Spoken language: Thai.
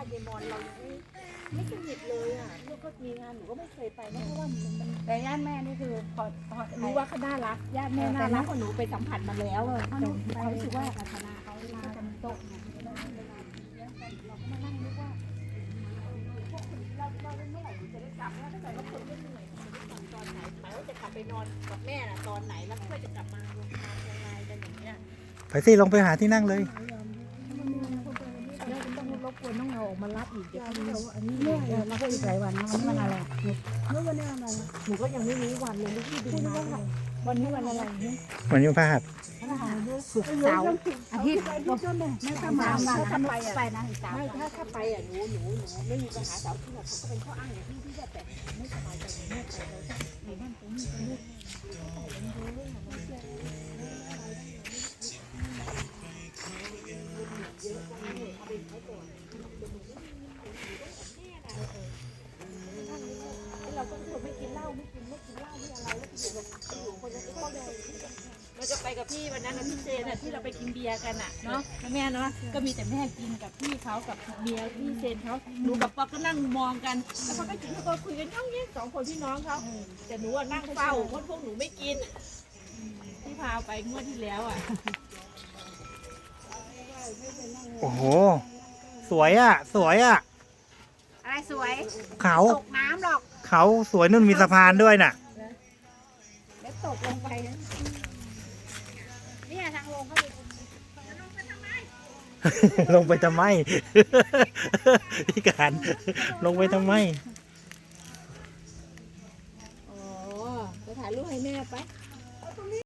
เยมอนเรายังไม่สนิทเลยอ่ะลูกก็มีงานหนูก็ไม่เคยไปนะเพราะว่ามันแต่ญาติแม่นี่คือพอรู้ว่าเขาน่ารักญาติแม่น่ารักกว่าหนูไปสัมผัสมาแล้วเขารู้สึกว่าพัฒนาเขาก็จะมีโต๊ะเนี่ยเราก็มานั่งนึกว่าเราเมื่อไหร่หนูจะได้กลับถ้าเกิดว่าคนไม่เหนื่อยจะได้กลับตอนไหนหมายว่าจะกลับไปนอนกับแม่น่ะตอนไหนแล้วเพื่อจะกลับมาโรงพยาบาลยังไงกันอย่างเงี้ยไปสิลงไปหาที่นั่งเลยแล้วต้องรบกวนต้องเอาออกมารับอีกเดี๋ยวเขาอันนี้เนี่ยเราก็อีกหลายวันนะวันนี้วันอะไรเมื่อวันนี้อะไรหนูก็ยังไม่รู้วันเลยลูกพี่ดูมาวันนี้วันอะไรเนี่ยวันนี้พฤหัสศุกร์เสาร์อาทิตย์ไม่ถ้ามาถ้าไปไปนะอีกสามไม่ถ้าไปอ่ะหนูไม่มีปัญหาเสาร์ที่แบบเขาก็เป็นข้ออ้างอย่างที่แบบไม่สบายใจหนูไม่ไปเลยในบ้านผมมีคนลูกเราก็คนไม่กินเหล้าไม่กินเหล้าไม่อะไรแล้วอยู่คนจะเข้าใจเราจะไปกับพี่วันนั้นพี่เจนที่เราไปกินเบียร์กันอ่ะเนาะแม่เนาะก็มีแต่แม่กินกับพี่เขากับเบียร์พี่เจนเขาหนูกับป๊อกก็นั่งมองกันแล้วเขาก็กินเขาคุยกันย่องเงี้ยสองคนพี่น้องเขาแต่หนูนั่งเฝ้าเพราะพวกหนูไม่กินที่พาไปงวดที่แล้วอ่ะโอ้โหสวยอ่ะสวยอ่ะอะไรสวยเขาตกน้ำหรอกเขาสวยนุ่นมีสะพานด้วยน่ะแล้วตกลงไปเนี่ยทางลงเขาดูลงไปทำไม พี่การลงไปทำไมอ๋อจะถ่ายรูปให้แม่ไป